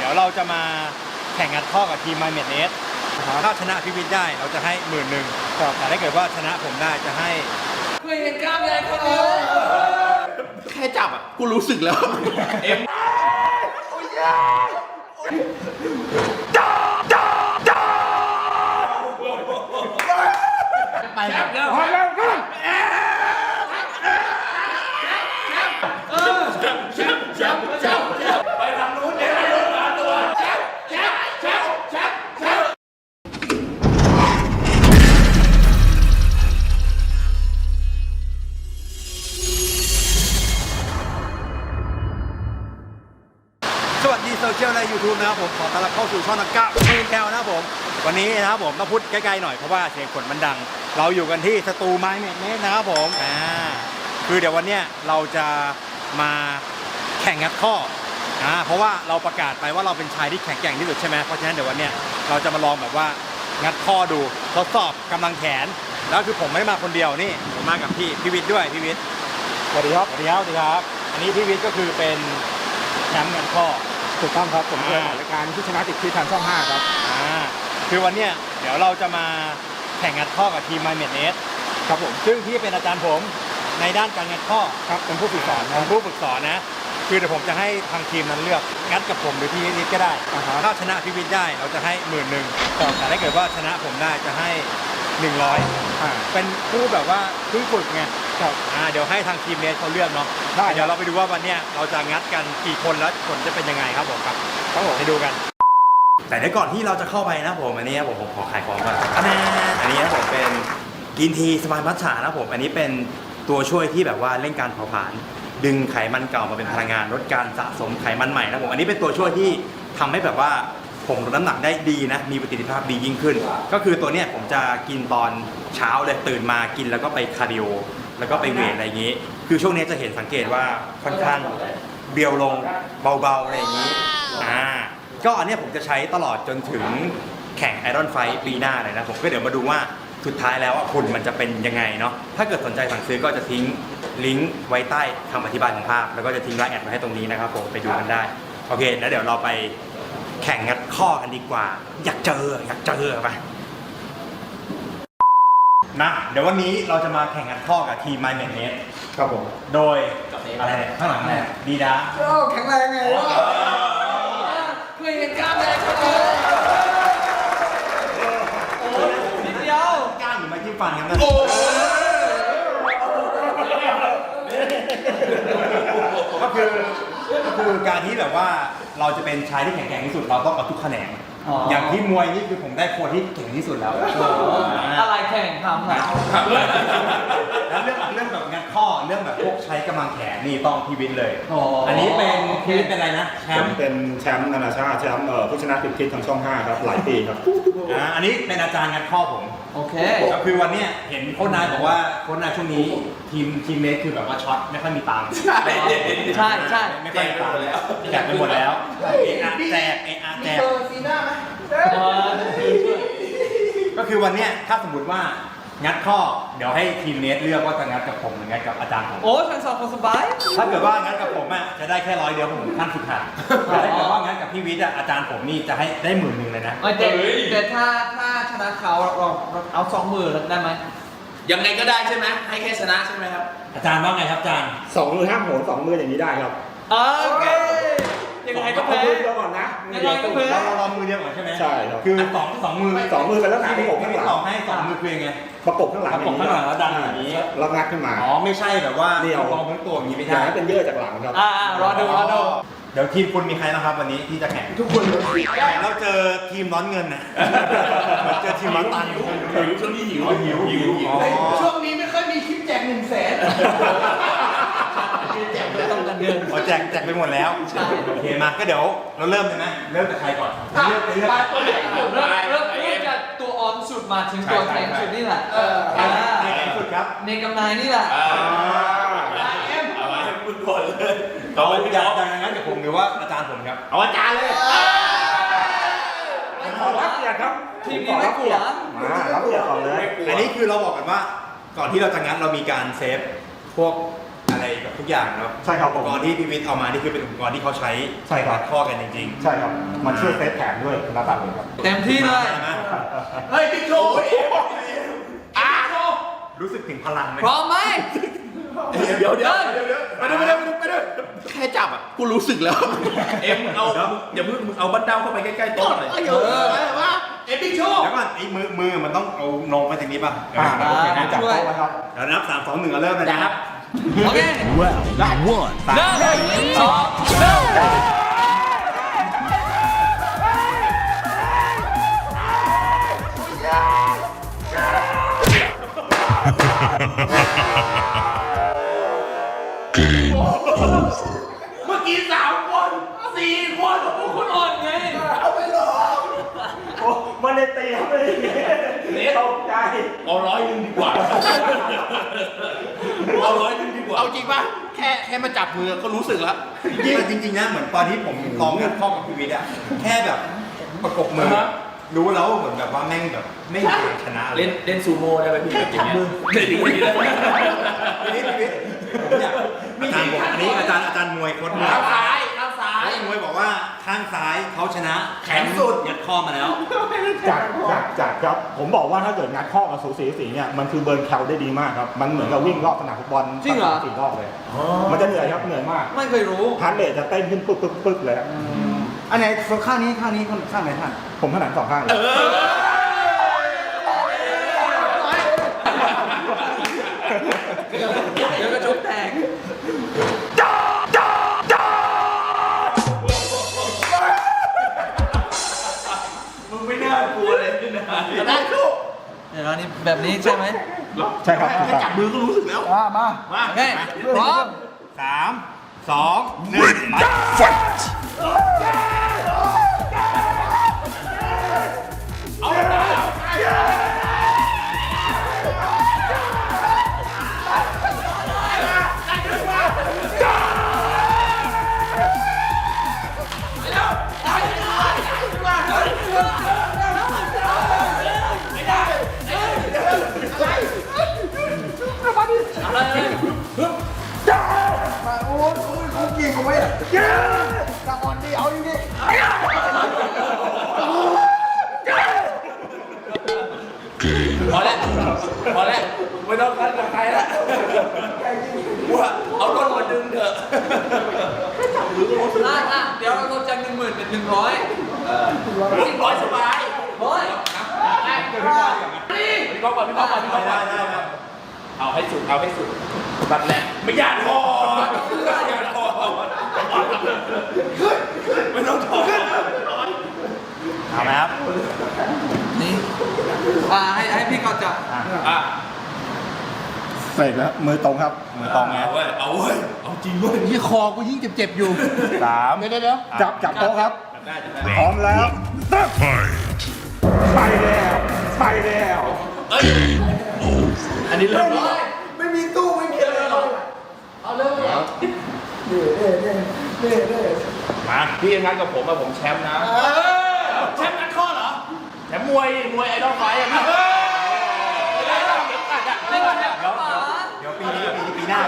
ดี๋ยวเราจะมาแข่งงัดข้อกับทีม My m e d n e t ถ้าชนะพี่วิทย์ได้เราจะให้10,000แต่ถ้าเกิดว่าชนะผมได้จะให้เคยเห็นกล้ามใหญ่เขาเลยแค่จับอ่ะกูรู้สึกแล้วเอ็มไปแล้วพอแล้วไปทางนู้นเดี๋ยวตัวแชมป์สวัสดีโซเชียลใน YouTube นะครับผมขอต้อนรับเข้าสู่ช่องนักกะมือแก้วนะครับผมวันนี้นะครับผมต้องพูดใกล้ๆหน่อยเพราะว่าเสียงฝนมันดังเราอยู่กันที่สตูMy m e d n e t นะครับผมคือเดี๋ยววันเนี้ยเราจะมาแข่งงัดข้อเพราะว่าเราประกาศไปว่าเราเป็นชายที่แข็งแกร่งที่สุดใช่ไหมเพราะฉะนั้นเดี๋ยววันเนี้ยเราจะมาลองแบบว่างัดข้อดูทดสอบกำลังแขนแล้วคือผมไม่ได้มาคนเดียวนี่ผมมากับพี่วิทย์ด้วยพี่วิทย์สวัสดีครับสวัสดีครับอันนี้พี่วิทย์ก็คือเป็นแชมป์งัดข้อถูกต้องครับผมเคยออกรายการที่ชนะติดที่ทางช่อง 5 ครับคือวันเนี้ยเดี๋ยวเราจะมาแข่งงัดข้อกับทีม My m e d n e t ครับผมซึ่งพี่เป็นอาจารย์ผมในด้านการงัดข้อครับเป็นผู้ฝึกสอนเป็นผู้ฝึกสอนนะคือเดี๋ยวผมจะให้ทางทีมนั้นเลือกงัดกับผมหรือพี่วิทย์ก็ได้ถ้าชนะพี่วิทย์ได้เราจะให้10,000แต่ถ้าเกิดว่าชนะผมได้จะให้100เป็นผู้แบบว่าเพิ่งฝึกไงเดี๋ยวให้ทางทีมเนสเขาเลือกเนาะเดี๋ยวเราไปดูว่าวันเนี้ยเราจะงัดกันกี่คนแล้วผลจะเป็นยังไงครับผมครับไปดูกันแต่เดี๋ยวก่อนที่เราจะเข้าไปนะผมอันนี้ผมขอขายของก่อนอันนี้นะผมเป็นกินทีสมายมัทฉะนะผมอันนี้เป็นตัวช่วยที่แบบว่าเร่งการเผาผลาญดึงไขมันเก่ามาเป็นพลังงานลดการสะสมไขมันใหม่นะผมอันนี้เป็นตัวช่วยที่ทำให้แบบว่าผมลดน้ำหนักได้ดีนะมีประสิทธิภาพดียิ่งขึ้นก็คือตัวเนี้ยผมจะกินตอนเช้าเลยตื่นมากินแล้วก็ไปคาร์ดิโอแล้วก็ไปเวทอะไรอย่างนี้คือช่วงนี้จะเห็นสังเกตว่าค่อนข้างเบียวลงเบาๆอะไรอย่างนี้ก็อันนี้ผมจะใช้ตลอดจนถึงแข่ง Iron Fight ปีหน้าเลยนะผมก็เดี๋ยวมาดูว่าสุดท้ายแล้วหุ่นมันจะเป็นยังไงเนาะถ้าเกิดสนใจสั่งซื้อก็จะทิ้งลิงก์ไว้ใต้คำอธิบายของภาพแล้วก็จะทิ้งไลน์แอดไว้ให้ตรงนี้นะครับผมไปดูกันได้โอเคแล้วเดี๋ยวเราไปแข่งงัดข้อกันดีกว่าอยากเจอไปนะเดี๋ยววันนี้เราจะมาแข่งงัดข้อกับทีม My m e d n e t ครับผมโดยอะไรข้างหลังอะไรดีดาแข็งแรงไงเคยเห็นกล้ามใหญ่เขาเลยนิดเดียวก้างอยู่ไม่ที่ฟันครับนะก็คือการที่แบบว่าเราจะเป็นชายที่แข็งแกร่งที่สุดเราต้องเอาทุกแขนงอย่างที่มวยนี่คือผมได้โค้ชที่เก่งที่สุดแล้วอะไรแข่งทำนะแล้วเรื่องแบบงัดข้อเรื่องแบบพวกใช้กำลังแขนนี่ต้องพี่วินเลยอันนี้เป็นพี่วินเป็นอะไรนะแชมป์เป็นแชมป์นานาชาติแชมป์ผู้ชนะติดที่ทางช่อง 5 ครับหลายปีครับอันนี้เป็นอาจารย์งัดข้อผมโอเคก็คือวันนี้เห็นโค้ชนายบอกว่าโค้ชนายช่วงนี้ทีมเมทคือแบบว่าช็อตไม่ค่อยมีตังค์ใช่ไม่ค่อยมีตังค์แล้วแจกไปหมดแล้วแจกซีน่าไหมก็คือวันนี้ถ้าสมมติว่างัดข้อเดี๋ยวให้ทีมเนสเลือกว่าจะงัดกับผมหรืองัดกับอาจารย์ผมโอ้ทั้งสองคนสบายถ้าเกิดว่างัดกับผมจะได้แค่100เดียวผมขั้นสุดท้ายแต่ถ้าเกิดว่างัดกับพี่วิทย์อาจารย์ผมนี่จะให้ได้10,000เลยนะแต่ถ้าชนะเขาเราเอา20,000ได้ไหมยังไงก็ได้ใช่ไหมให้แค่ชนะใช่ไหมครับอาจารย์ว่าไงครับอาจารย์ 2 มือห้ามโหน2 มืออย่างนี้ได้ครับโอเคยังไงก็แพ้มือเดียวก่อนนะยังไงก็แพ้เรามือเดียวก่อนใช่ไหมใช่ครับคือ2 มือไปแล้วนะประกบข้างหลังให้2 มือคือยังไงประกบข้างหลังแล้วดันอย่างนี้แล้วงัดขึ้นมาไม่ใช่แบบว่าเดี่ยวมองทั้งตัวอย่างนี้ไม่ใช่อย่างนั้นเป็นเยื่อจากหลังครับรอดูเดี๋ยวทีมคุณมีใครนะครับวันนี้ที่จะแข่งทุกคนเราเจอทีมร้อนเงินนะเจอทีมร้อนตันหิวช่วงนี้หิวช่วงนี้ไม่ค่อยมีคลิปแจก100,000แจกไม่ต้องกันเงินแจกไปหมดแล้วโอเคมาก็เดี๋ยวเราเริ่มเลยนะเริ่มจากใครก่อนเริ่มจากตัวออนสุดมาถึงตัวแทนสุดนี่แหละแทนสุดครับเนกำนายนี่แหละเอาพูดก่อนเลยอยากงั้นกับผมหรือว่าอาจารย์ผมครับเอาอาจารย์เลยขอรับเกียรติครับทีมนี้ไม่กลัวรับเกียรติก่อนเลยอันนี้คือเราบอกกันว่าก่อนที่เราจะงัดเรามีการเซฟพวกอะไรกับทุกอย่างนะครับใช่ครับอุปกรณ์ที่พี่วิทย์เอามานี่คือเป็นอุปกรณ์ที่เขาใช้ใช่ครับตัดข้อกันจริงใช่ครับ มันช่วยเซฟแขนด้วยระดับหนึ่งครับเต็มที่เลยใช่ไหมเฮ้ยบิ๊กโชว์อ่ะรู้สึกถึงพลังไหมพร้อมไหมเดี๋ยวไปด้วยแค่จับอ่ะกูรู้สึกแล้ว เอ็มเอาอย่ามึงเอาบันเดาเข้าไปใกล้ๆโต๊ะหน่อยว่าเอ็มบิ๊กโชว์เดี๋ยวก่อนไอ้มือมันต้องเอานมไปตรงนี้ป่ะโอเคนะจับช่วยโต๊ะไว้ครับเดี๋ยวนับ3 2 1เริ่มเลยนะครับโอเค One. เริ่มเลยสองเริ่มเมื่อกี้3 คน4 คนพวกคุณอ่อนไงโอ้มันเลยตีครับเลยตกใจเอา100ดีกว่าเอา100ดีกว่าเอาจริงป่ะแค่มาจับมือก็รู้สึกแล้วจริงๆนะเหมือนตอนที่ผมลองงัดข้อกับพี่วิทย์อะแค่แบบประกบมือรู้แล้วเหมือนแบบว่าแม่งแบบไม่มีทางชนะเลยเล่นซูโม่ได้ไหมพี่แบบอย่างเงี้ยเล่นอย่างนี้ได้ไหมพี่วิทย์ผมอยากอาจารย์บอกอันนี้อาจารย์มวยโค้ชมวยข้างซ้ายโค้ชมวยบอกว่าข้างซ้ายเขาชนะแข็งสุดยัดข้อมาแล้วจากครับ ผมบอกว่าถ้าเกิดงัดข้อกับสูสีเนี่ยมันคือเบิร์นแคลได้ดีมากครับ มันเหมือนกับวิ่งรอบสนามฟุตบอลจริงเหรอ 4 รอบเลย มันจะเหนื่อยครับเหนื่อยมากไม่เคยรู้ฮาร์ดเรทจะเต้นขึ้นปึ๊กเลยอันไหนข้างนี้ข้างไหนท่านผมถนัด2 ข้างเลยเดี๋ยวกระชุบแตกมึงไม่น่ากลัวเลยนี่นะได้ทุกเดี๋ยวนี่แบบนี้ใช่ไหมใช่ครับแค่จับมือก็รู้สึกแล้วมามาโอเคพร้อม 3 2 1ไปเขาเก่งกว่าไหมตะออนดีเอาอยู่ดิพอแล้วไม่ต้องกันกับใครแล้วว่าเอารถมาดึงเถอะเดี๋ยวเราลดจาก10,000เป็น100 100สบายร้อยพี่ก๊อฟก่อนเอาให้สุดบัดแหละไม่อยากถอดไม่ต้องถอดเอาไหมครับนี่ให้พี่เขาจับอ่ะเสร็จแล้วมือตรงครับมือตรงไงเอาจริงเว้ยที่คอกูยิ่งเจ็บๆอยู่ 3 เดี๋ยวจับโต๊ะครับได้พร้อมแล้วไปแล้วเอ้ยอันนี้เริ่มแล้วไม่มีตู้ไม่มีอะไรหรอกเอาเริ่มเน่มาพี่งั้นกับผมผมแชมป์นะแชมป์นัดข้อเหรอแชมป์มวยไอดอลไฟท์อะครับไม่ก่อนเนี่ยเดี๋ยวปีหน้า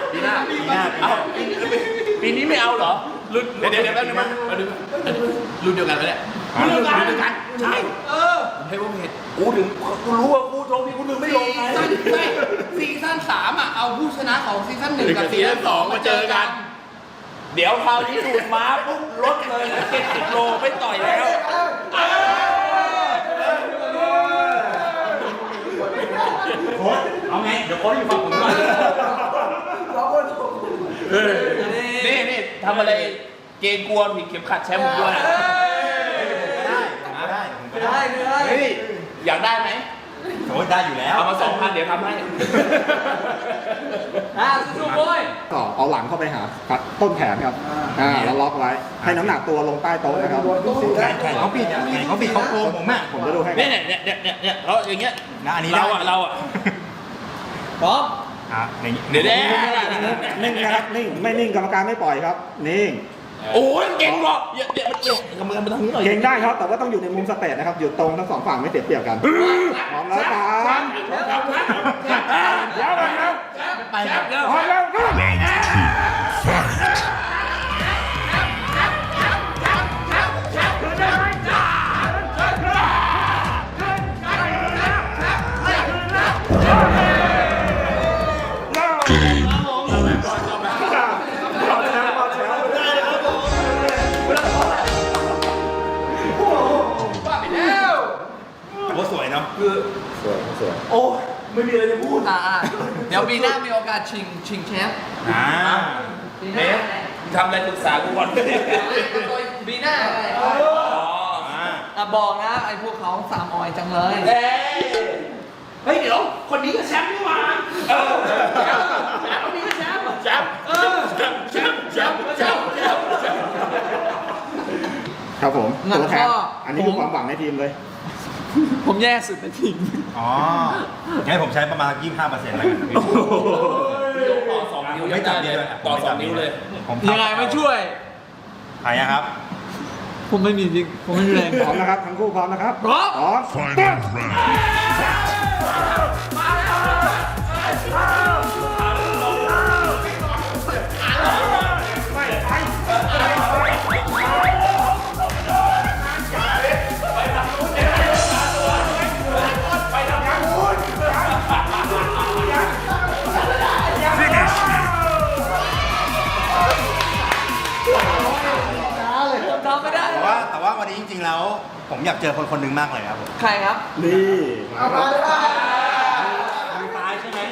ปีนี้ไม่เอาเหรอรุ่นเดี๋ยวแป๊บนึงมั้งรุ่นเดียวกันไหมเนี่ยรุ่นเดียวกันใช่ผมให้ว่าเพจกูรู้ว่ากูลงที่กูนึงไม่ลงไงซีซั่น3อ่ะเอาผู้ชนะของซีซั่น1 กับซีซั่น2มาเจอกัน เดี๋ยวคราวนี้ดูดม้าปุ๊บลดเลยนะ70 โลไม่ต่อยแล้วโค้ชเอาไง เดี๋ยวโค้ชอยู่ฝั่งผมก่อนนี่ทำอะไรเกรงกลัวผิดเข็มขัดแชมป์ผมด้วยนะได้เฮ้ยอยากได้ไหมโค้ชได้อยู่แล้วเอามา2,000เดี๋ยวทำให้สู้ๆโว้ยต่อเอาหลังเข้าไปหาต้นแขนครับแล้วล็อกไว้ ให้น้ำหนักตัวลงใต้โต๊ะนะครับแข่งเขาผิดเขาโกงผมอ่ะผมจะดูให้เนี่ยเราอย่างเงี้ยนะอันนี้เราอะพร้อมอย่างนี้เดี๋ยวนิ่งนะครับนิ่งไม่นิ่งกรรมการไม่ปล่อยครับนิ่งโอ้ยเก่งหรอกอย่ามันเก่งกำมือมาทางนี้หน่อยเก่งได้ครับ แต่ว่าต้องอยู่ในมุมสเตทนะครับ อยู่ตรงทั้งสองฝั่งไม่เสียเปรียบกัน พร้อมแล้วครับเดี๋ยวก่อนครับไปแล้วพร้อมแล้วครับโอ้สวยเนาะโอ้ไม่มีอะไรจะพูดเดี๋ยวปีหน้ามีโอกาสชิงแชมป์อ่าปีหเนน้าสทำอะไรปรึกษากูก่อนปีหน้าอ่าบอกนะไอ้พวกเขาสามออยจังเลยเฮ้ยเดี๋ยวคนนี้ก็แชมป์นี่หว่าคนนี้ก็แชมป์แชมป์แชมป์แชมป์แชมป์แชมป์แชมป์ครับผมงั้นตัวแทนก็อันนี้คือความหวังในทีมเลยผมแย่สุดในทีมอ๋องั้นผมใช้ประมาณ 25%แล้วกันนะพี่ต่อสองนิ้วไม่จับนิ้วเลยต่อสองนิ้วเลยผมยังไงไม่ช่วยใครอะครับผมไม่มีจริงผมไม่มีแรงพร้อมนะครับ ทั้งคู่พร้อมนะครับพร้อมพร้อม Final round. ทำไม่ได้แต่ว่าวันนี้จริงๆแล้ว ผมอยากเจอคนคนหนึ่งมากเลยครับผมใครครับนี่มาครับมือตายใช่ไหม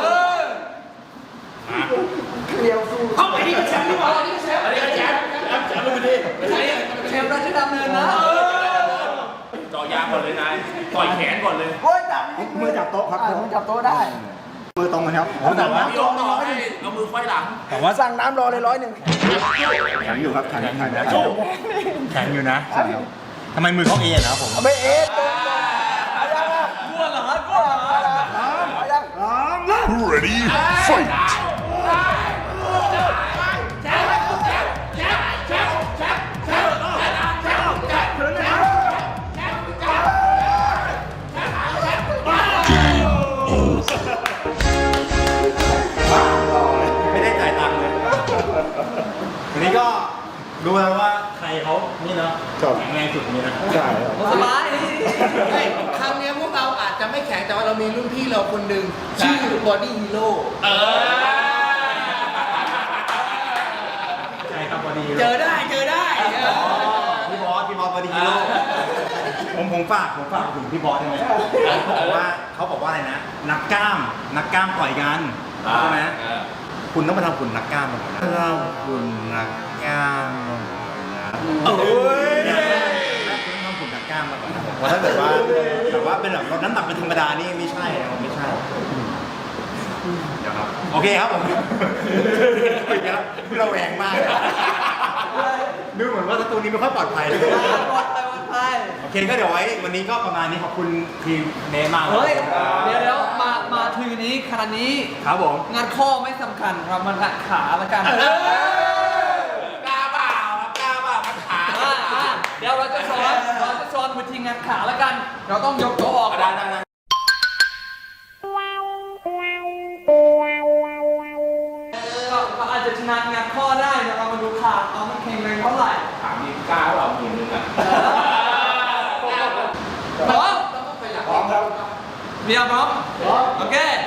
เอาไปนี่ก็แชมป์นี่หว่าอันนี้ก็แชมป์อันนี้ก็แชมป์แชมป์ดูดิเชฟราชดำเนินนะจ่อยางก่อนเลยนายต่อยแขนก่อนเลยโอ้ยจับมือจับโต๊ะครับผมจับโต๊ะได้มือตรงกันครับแต่ว่าพี่ยกต่อให้เอามือไขว้หลังแต่ว่าสั่งน้ำรอเลย100 แข็งอยู่ครับแข็งแข็งแข็งแข็งอยู่นะทำไมมือเขาเอ็นนะครับผมไม่เอ็ดกลัวเหรอกลัวเหรอพร้อมแล้ว Ready? Fight! ไม่ได้จ่ายตังค์เลยวันนี้ก็ดูแล้วว่าใครเขานี่เนาะครับแข็งแรงสุดนี่นะใช่ครับสบายครั้งเนี้ยพวกเราอาจจะไม่แข็งแต่ว่าเรามีรุ่นพี่เราคนหนึ่งชื่อบอดี้ฮีโร่ใช่ครับพอดีเจอได้เจอได้พี่บอสพอดีฮีโร่ผมฝากถึงพี่บอสได้ไหมเขาบอกว่าอะไรนะนักกล้ามต่อยกันใช่ไหมคุณต้องมาทำหุ่นนักกล้ามมาก่อนนะหุ่นนักกล้ามมาก่อนนะโอ้ยคุณต้องทำหุ่นนักกล้ามมาก่อนนะเพราะถ้าเกิดว่าเป็นแบบน้ำหนักเป็นธรรมดานี่ไม่ใช่ไม่ใช่เดี๋ยวครับโอเคครับผมเราแหวงมากดูเหมือนว่าสตูนี้ไม่ค่อยปลอดภัยเลยปลอดภัยโอเคก็เดี๋ยวไว้วันนี้ก็ประมาณนี้ขอบคุณทีมเนมากเฮ้ย เดี๋ยวมาทีนี้ขนาดนี้ครับผมงานข้อไม่สำคัญเรามางัดขาแล้วกันกล้าเปล่าครับกล้าเปล่าขาเดี๋ยวเราจะสอนวิธีงานขาแล้วกัน เราต้องยกตัวออกได้ก็อาจจะชนะงานข้อได้เดี๋ยวเรามาดูขาเอามันแข็งแรงเท่าไหร่ถามนี่กล้าเปล่าหมื่นนึงอ่ะพร้อมพร้อมครับเมียพร้อมโอเค